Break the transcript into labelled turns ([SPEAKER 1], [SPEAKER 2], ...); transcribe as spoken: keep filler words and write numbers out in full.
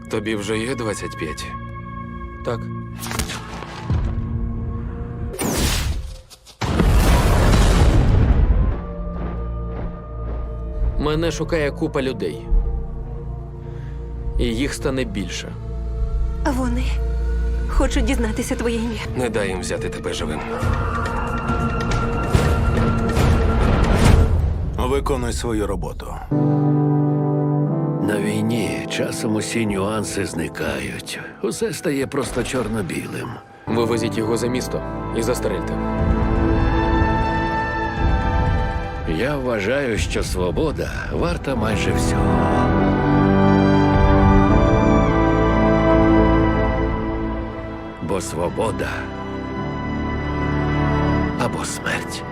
[SPEAKER 1] Тобі вже є двадцять п'ять?
[SPEAKER 2] Так. Мене шукає купа людей. І їх стане більше.
[SPEAKER 3] Вони хочуть дізнатися твоє ім'я.
[SPEAKER 1] Не дай їм взяти тебе живим.
[SPEAKER 4] Виконуй свою роботу.
[SPEAKER 5] На війні часом усі нюанси зникають. Усе стає просто чорно-білим.
[SPEAKER 2] Вивезіть його за місто і застрельте.
[SPEAKER 5] Я вважаю, що свобода варта майже всього. Бо свобода або смерть.